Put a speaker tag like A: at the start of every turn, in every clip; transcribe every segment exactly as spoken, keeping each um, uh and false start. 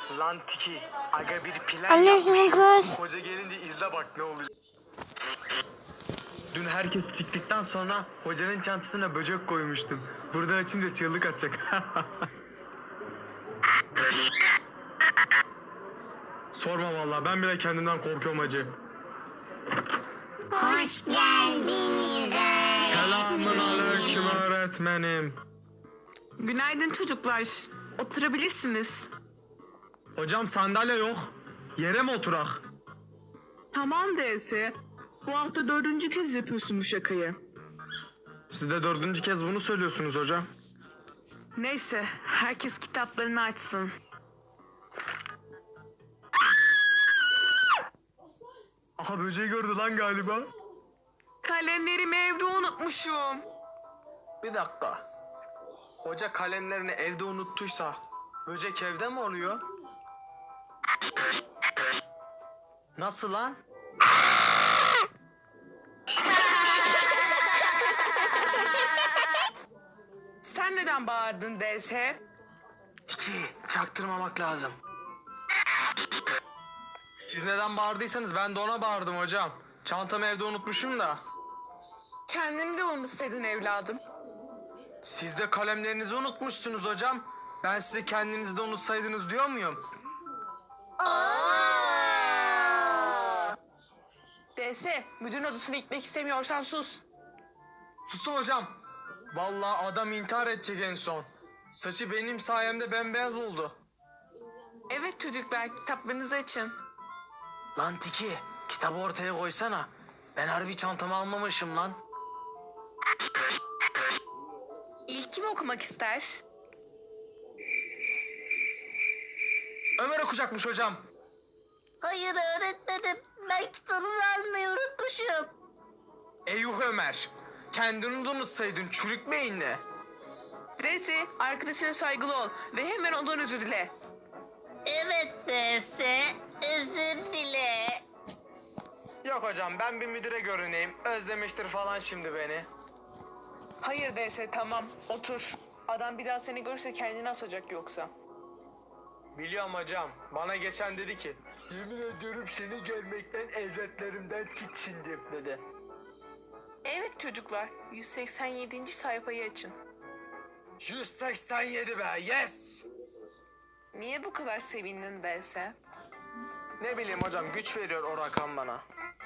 A: Lan Tiki, aga bir plan
B: Annesinin
A: yapmışım.
B: kız.
A: Hoca gelince izle bak ne olacak. Dün herkes çıktıktan sonra hocanın çantasına böcek koymuştum. Burada açınca çığlık atacak. Sorma vallahi, ben bile kendimden korkuyorum hacı.
B: Hoş geldiniz.
A: Selamun aleyküm öğretmenim.
C: Günaydın çocuklar. Oturabilirsiniz.
A: Hocam sandalye yok. Yere mi oturak?
C: Tamam D S. Bu hafta dördüncü kez yapıyorsun bu şakayı.
A: Siz de dördüncü kez bunu söylüyorsunuz hocam.
C: Neyse, herkes kitaplarını açsın.
A: Aha böceği gördü lan galiba.
C: Kalemlerimi evde unutmuşum.
A: Bir dakika. Hoca kalemlerini evde unuttuysa böcek evde mi oluyor? Nasıl lan?
C: Sen neden bağırdın D S?
A: Tiki, çaktırmamak lazım. Siz neden bağırdıysanız ben de ona bağırdım hocam. Çantamı evde unutmuşum da.
C: Kendini de unutsaydın evladım.
A: Siz de kalemlerinizi unutmuşsunuz hocam. Ben size kendinizi de unutsaydınız diyor muyum?
C: D S, müdürün odasına gitmek istemiyorsan sus.
A: Sustum hocam. Vallahi adam intihar edecek en son. Saçı benim sayemde bembeyaz oldu.
C: Evet çocuklar, kitaplarınızı açın.
A: Lan Tiki, kitabı ortaya koysana. Ben harbi çantamı almamışım lan.
C: İlk kim okumak ister?
A: Ömer okuyacakmış hocam.
B: Hayır öğretmenim. Ben kitabımı almayı unutmuşum.
A: Eyuh Ömer. Kendini de unutsaydın çürük beyinle.
C: D S, arkadaşına saygılı ol ve hemen ondan özür dile.
B: Evet D S. Özür dile.
A: Yok hocam, ben bir müdüre görüneyim. Özlemiştir falan şimdi beni.
C: Hayır D S, tamam otur. Adam bir daha seni görürse kendini asacak yoksa.
A: Biliyorum hocam. Bana geçen dedi ki, yemin ediyorum seni görmekten evlatlarımdan tiksindim dedi.
C: Evet çocuklar, yüz seksen yedinci sayfayı açın.
A: yüz seksen yedi be, yes!
C: Niye bu kadar sevindin D S?
A: Ne bileyim hocam, güç veriyor o rakam bana.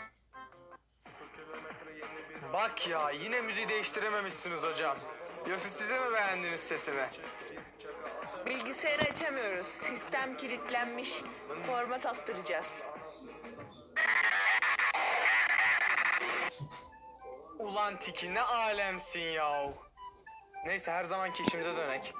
A: Bak ya, yine müziği değiştirememişsiniz hocam. Yoksa size mi beğendiniz sesimi?
C: Bilgisayarı açamıyoruz. Sistem kilitlenmiş. Format attıracağız.
A: Ulan Tiki, ne alemsin yahu. Neyse, her zamanki işimize dönek.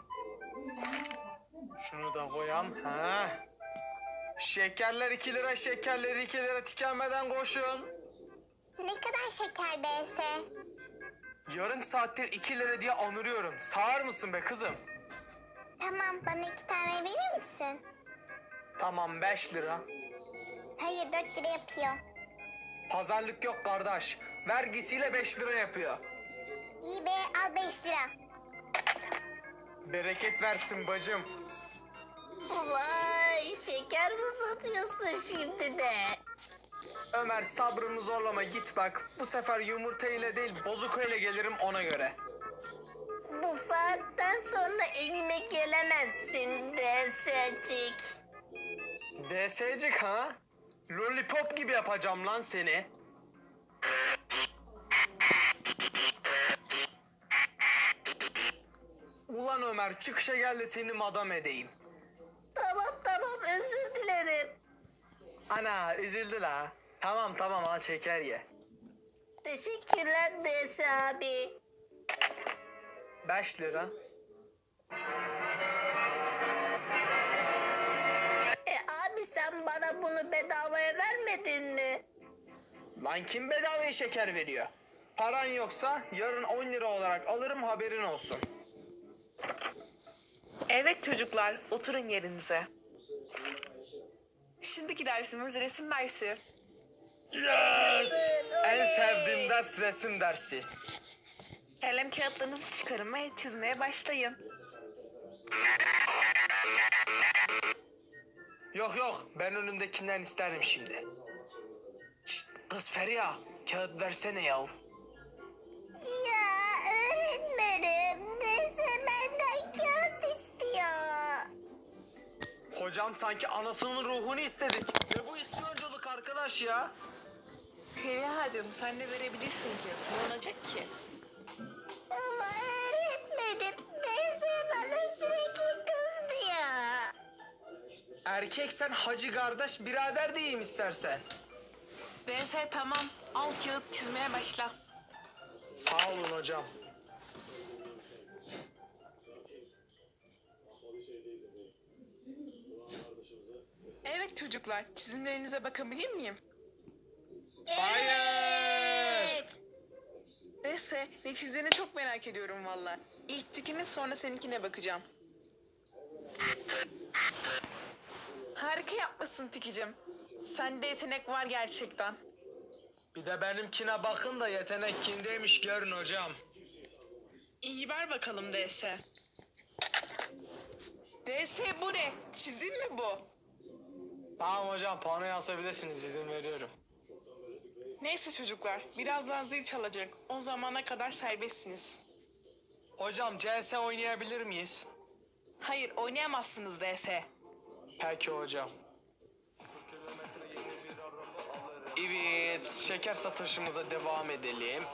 A: Şunu da koyam. Ha. Şekerler iki lira, şekerleri iki lira, tükenmeden koşun.
B: Ne kadar şeker B S?
A: Yarım saattir iki lira diye anırıyorum. Sağır mısın be kızım?
B: Tamam, bana iki tane verir misin?
A: Tamam, beş lira.
B: Hayır, dört lira yapıyor.
A: Pazarlık yok kardeş. Vergisiyle beş lira yapıyor.
B: İyi be, al beş lira.
A: Bereket versin bacım.
B: Vay, şeker mi satıyorsun şimdi de?
A: Ömer, sabrımı zorlama, git bak. Bu sefer yumurta ile değil bozuk ile gelirim, ona göre.
B: Bu saatten sonra evime gelemezsin D S'cik.
A: D S'cik ha? Lollipop gibi yapacağım lan seni. Ulan Ömer, çıkışa gel de seni madam edeyim.
B: Tamam tamam, özür dilerim.
A: Ana, üzüldü la. Tamam tamam, al şeker ye.
B: Teşekkürler D S abi.
A: Beş lira.
B: E abi, sen bana bunu bedavaya vermedin mi?
A: Lan kim bedavaya şeker veriyor? Paran yoksa yarın on lira olarak alırım, haberin olsun.
C: Evet çocuklar, oturun yerinize. Şimdiki dersimiz resim dersi.
A: Yes! En sevdiğim ders resim dersi.
C: Kalem kağıtlarınızı çıkarın ve çizmeye başlayın.
A: Yok yok, ben önümdekinden isterim şimdi. Şşt, kız Feriha, kağıt versene yav.
B: Ya öğretmenim, neyse benden kağıt istiyor.
A: Hocam sanki anasının ruhunu istedik. Ne bu ispiyonculuk arkadaş ya?
C: Feriha'cığım sen de verebilirsin ki. Ne olacak ki?
B: Ama öğretmenim, neyse bana sürekli kız diyor.
A: Erkeksen hacı kardeş birader diyeyim istersen.
C: D S tamam. Al kağıt çizmeye başla.
A: Sağ olun hocam.
C: Evet çocuklar, çizimlerinize bakabilir miyim?
A: Hayır.
C: D S ne çizdiğini çok merak ediyorum valla. İlk tikine sonra seninkine bakacağım. Harika yapmışsın Tikicim. Sende yetenek var gerçekten.
A: Bir de benimkine bakın da yetenek kimdeymiş görün hocam.
C: İyi ver bakalım D S. D S bu ne? Çizim mi bu?
A: Tamam hocam, panoya asabilirsiniz, izin veriyorum.
C: Neyse çocuklar, birazdan zil çalacak. O zamana kadar serbestsiniz.
A: Hocam C S oynayabilir miyiz?
C: Hayır, oynayamazsınız D S.
A: Peki hocam. Evet, şeker satışımıza devam edelim.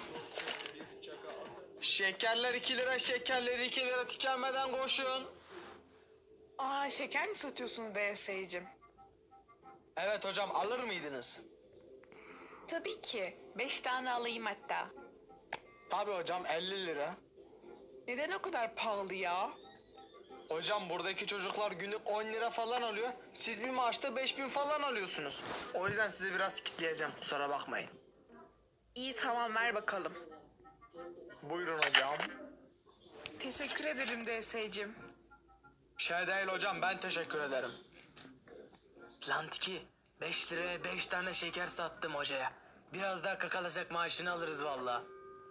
A: Şekerler iki lira, şekerler iki lira, tükenmeden koşun.
C: Aa, şeker mi satıyorsun D S'cim?
A: Evet hocam, alır mıydınız?
C: Tabii ki. Beş tane alayım hatta.
A: Tabii hocam, elli lira.
C: Neden o kadar pahalı ya?
A: Hocam buradaki çocuklar günlük on lira falan alıyor. Siz bir maaşta beş bin falan alıyorsunuz. O yüzden sizi biraz kitleyeceğim, kusura bakmayın.
C: İyi tamam ver bakalım.
A: Buyurun hocam.
C: Teşekkür ederim D S'cim.
A: Şey değil hocam, ben teşekkür ederim. Lan Tiki, beş liraya beş tane şeker sattım hocaya. Biraz daha kakalasak maaşını alırız valla.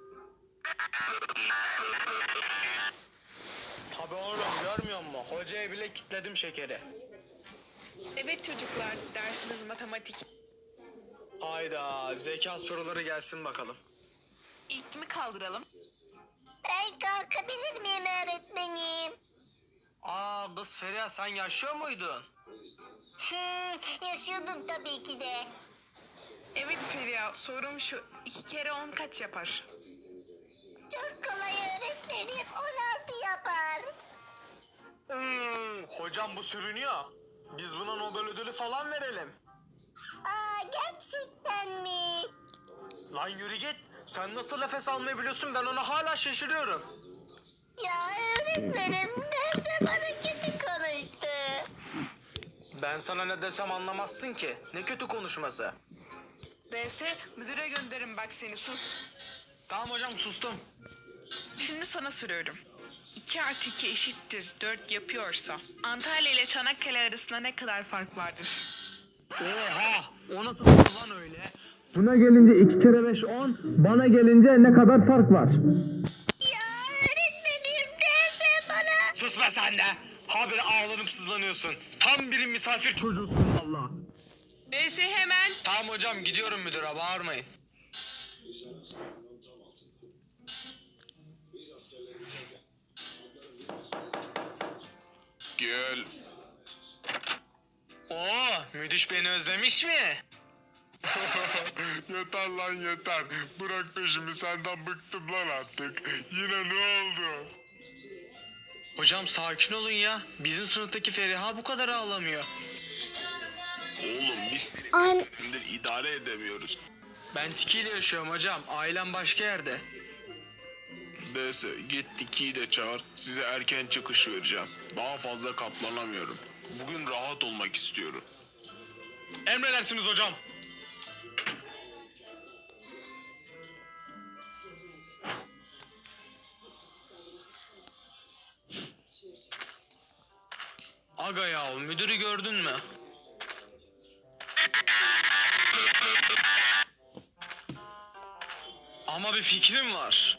A: Tabii oğlum, görmüyor musun? Hocaya bile kitledim şekeri.
C: Evet çocuklar, dersimiz matematik.
A: Hayda, zeka soruları gelsin bakalım.
C: İlk mi kaldıralım?
B: Ben kalkabilir miyim öğretmenim?
A: Aa kız Feriha, sen yaşıyor muydun?
B: Hmm, yaşıyordum tabii ki de.
C: Evet Feriha, sorum şu. İki kere on kaç yapar?
B: Çok kolay öğretmenim, on altı yapar.
A: Hmm, hocam bu sürünüyor. Biz buna Nobel ödülü falan verelim.
B: Aa, gerçekten mi?
A: Lan yürü git. Sen nasıl nefes almayı biliyorsun, ben ona hala şaşırıyorum.
B: Ya öğretmenim, neyse bana kötü konuştu.
A: Ben sana ne desem anlamazsın ki. Ne kötü konuşması.
C: D S, müdüre gönderin bak seni sus.
A: Tamam hocam, sustum.
C: Şimdi sana soruyorum. iki artı iki eşittir dört yapıyorsa Antalya ile Çanakkale arasında ne kadar fark vardır?
A: Oha! O nasıl soru lan öyle? Buna gelince iki kere beş on, bana gelince ne kadar fark var?
B: Ya öğretmenim, neyse bana.
A: Sus be sen de! Habire ağlanıp sızlanıyorsun. Tam bir misafir çocuğusun valla.
C: D S hemen.
A: Tamam hocam, gidiyorum müdüre, bağırmayın. Gel. Oo, müdüş beni özlemiş mi?
D: Yeter lan yeter. Bırak peşimi, senden bıktım lan artık. Yine ne oldu?
A: Hocam sakin olun ya. Bizim sınıftaki Feriha bu kadar ağlamıyor.
D: Oğlum biz seni
B: An
D: günler idare edemiyoruz.
A: Ben Tiki ile yaşıyorum hocam. Ailem başka yerde.
D: Neyse git Tiki'yi de çağır. Size erken çıkış vereceğim. Daha fazla katlanamıyorum. Bugün rahat olmak istiyorum.
A: Emredersiniz hocam. Aga ya, müdürü gördün mü? Ama bir fikrim var.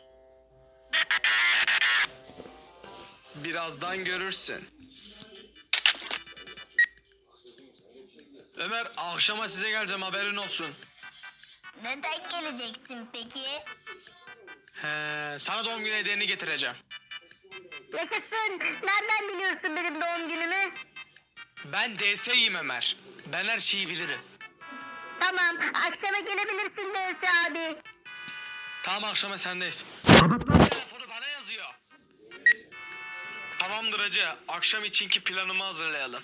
A: Birazdan görürsün. Ömer akşama size geleceğim haberin olsun.
B: Neden geleceksin peki?
A: He, sana doğum günü hediyeni getireceğim.
B: Yaşasın. Nereden biliyorsun benim doğum günümü?
A: Ben D S'yim Ömer. Ben her şeyi bilirim.
B: Tamam. Akşama gelebilirsin Neyse abi.
A: Tamam akşama sendeyiz. Telefonu bana yazıyor. Tamamdır hacı. Akşam içinki planımı hazırlayalım.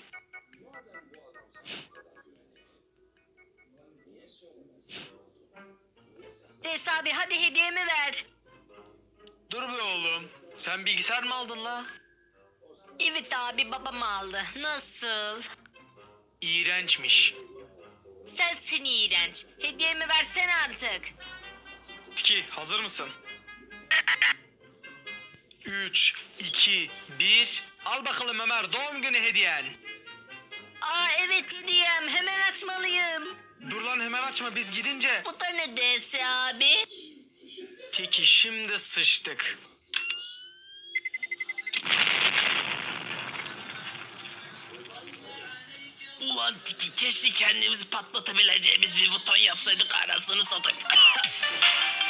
B: Neyse abi hadi hediyemi ver.
A: Dur be oğlum. Sen bilgisayar mı aldın la?
B: Evet abi babam aldı. Nasıl?
A: İğrençmiş.
B: Sensin iğrenç. Hediyemi versene artık.
A: Tiki hazır mısın? üç, iki, bir. Al bakalım Ömer doğum günü hediyen.
B: Aa evet hediyem. Hemen açmalıyım.
A: Dur lan hemen açma biz gidince.
B: Bu da ne Neyse abi?
A: Tiki şimdi sıçtık.
E: Ulan Tiki keşke kendimizi patlatabileceğimiz bir buton yapsaydık arasını satayım.